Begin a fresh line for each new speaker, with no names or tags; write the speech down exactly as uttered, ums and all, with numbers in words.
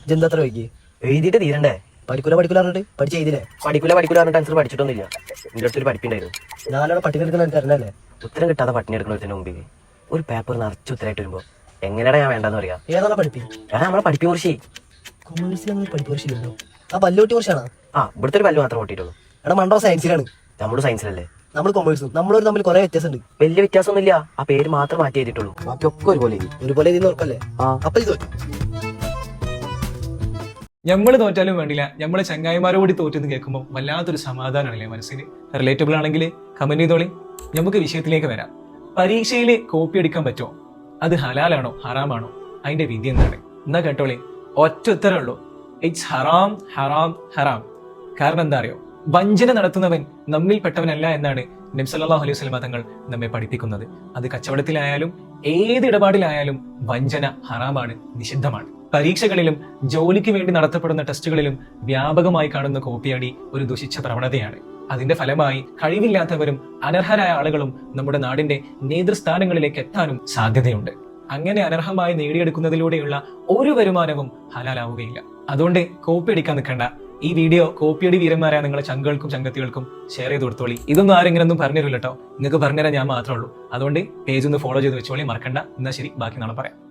ജന്തത്ര വൈകി
എഴുതിയിട്ട് തീരണ്ടേ?
പഠിക്കൂല പഠിക്കൂല പറഞ്ഞിട്ട് പഠിച്ച് എഴുതില്ലേ?
പഠിക്കൂല പഠിക്കൂല പറഞ്ഞിട്ട് ആൻസർ പഠിച്ചിട്ടൊന്നുമില്ല. എൻ്റെ അടുത്തൊരു പഠിപ്പുണ്ടായിരുന്നു.
നാലോടെ പട്ടിക എടുക്കുന്ന എനിക്ക് അറിഞ്ഞല്ലേ?
ഉത്തരം കിട്ടാതെ പട്ടിണി എടുക്കുന്നതിന് മുമ്പിൽ ഒരു പേപ്പർ നിറച്ച് ഉത്തരമായിട്ട് വരുമ്പോൾ എങ്ങനെയാണ് ഞാൻ വേണ്ടെന്ന് പറയാ?
ഏതാണ് പഠിപ്പി?
ഞാൻ നമ്മളെ പഠിപ്പിനെ കുറിച്ച്
കൊമേഴ്സിൽ അങ്ങനെ പഠിപ്പ് കുറിച്ചില്ലല്ലോ. ആ പല്ലുകൂട്ടി കുറിച്ചാണ്.
ആ ഇവിടുത്തെ ഒരു പല്ല് മാത്രം ഓട്ടിയിട്ടുള്ളൂ.
എടാ മണ്ടോ സയൻസിലാണ്.
നമ്മുടെ സയൻസിലല്ലേ?
നമ്മൾ കൊമേഴ്സും നമ്മളൊരു തമ്മിൽ കുറെ വ്യത്യാസമുണ്ട്.
വലിയ വ്യത്യാസമൊന്നുമില്ല. ആ പേര് മാത്രം മാറ്റി ചെയ്തിട്ടുള്ളൂ. ബാക്കിയൊക്കെ ഒരുപോലെ
ഒരുപോലെ ഇതിന് ഉറപ്പല്ലേ?
ആ
അപ്പൊ ഇത്
ഞമ്മള് തോറ്റാലും വേണ്ടില്ല, നമ്മളെ ചങ്ങായിമാരോട് തോറ്റെന്ന് കേൾക്കുമ്പോൾ വല്ലാത്തൊരു സമാധാനമാണല്ലേ മനസ്സിന്. റിലേറ്റബിൾ ആണെങ്കിൽ കമന്റ് ചെയ്തോളി. നമുക്ക് വിഷയത്തിലേക്ക് വരാം. പരീക്ഷയിൽ കോപ്പി അടിക്കാൻ പറ്റുമോ? അത് ഹലാലാണോ ഹറാമാണോ? അതിന്റെ വിധി എന്താണ്? എന്നാ കേട്ടോളി, ഒറ്റ ഉത്തരമുള്ളൂ, ഇറ്റ്സ് ഹറാം ഹറാം ഹറാം. കാരണം എന്താ അറിയോ? വഞ്ചന നടത്തുന്നവൻ നമ്മിൽപ്പെട്ടവനല്ല എന്നാണ് നബി സല്ലല്ലാഹു അലൈഹി വസല്ലം തങ്ങൾ നമ്മെ പഠിപ്പിക്കുന്നത്. അത് കച്ചവടത്തിലായാലും ഏത് ഇടപാടിലായാലും വഞ്ചന ഹറാമാണ്, നിഷിദ്ധമാണ്. പരീക്ഷകളിലും ജോലിക്ക് വേണ്ടി നടത്തപ്പെടുന്ന ടെസ്റ്റുകളിലും വ്യാപകമായി കാണുന്ന കോപ്പിയടി ഒരു ദുഷിച്ച പ്രവണതയാണ്. അതിന്റെ ഫലമായി കഴിവില്ലാത്തവരും അനർഹരായ ആളുകളും നമ്മുടെ നാടിന്റെ നേതൃസ്ഥാനങ്ങളിലേക്ക് എത്താനും സാധ്യതയുണ്ട്. അങ്ങനെ അനർഹമായി നേടിയെടുക്കുന്നതിലൂടെയുള്ള ഒരു വരുമാനവും ഹലാലാവുകയില്ല. അതുകൊണ്ട് കോപ്പി അടിക്കാൻ നിൽക്കണ്ട. ഈ വീഡിയോ കോപ്പിയടി വീരന്മാരായ നിങ്ങളെ ചങ്കുകൾക്കും ചങ്കത്തികൾക്കും ഷെയർ ചെയ്ത് കൊടുത്തോളി. ഇതൊന്നും ആരെങ്കിലും പറഞ്ഞു തരില്ല കേട്ടോ. നിങ്ങൾക്ക് പറഞ്ഞുതരാൻ ഞാൻ മാത്രമേ ഉള്ളൂ. അതുകൊണ്ട് പേജ് ഒന്ന് ഫോളോ ചെയ്ത് വെച്ചോളി, മറക്കണ്ട. എന്നാൽ ശരി, ബാക്കി നാളെ പറയാം.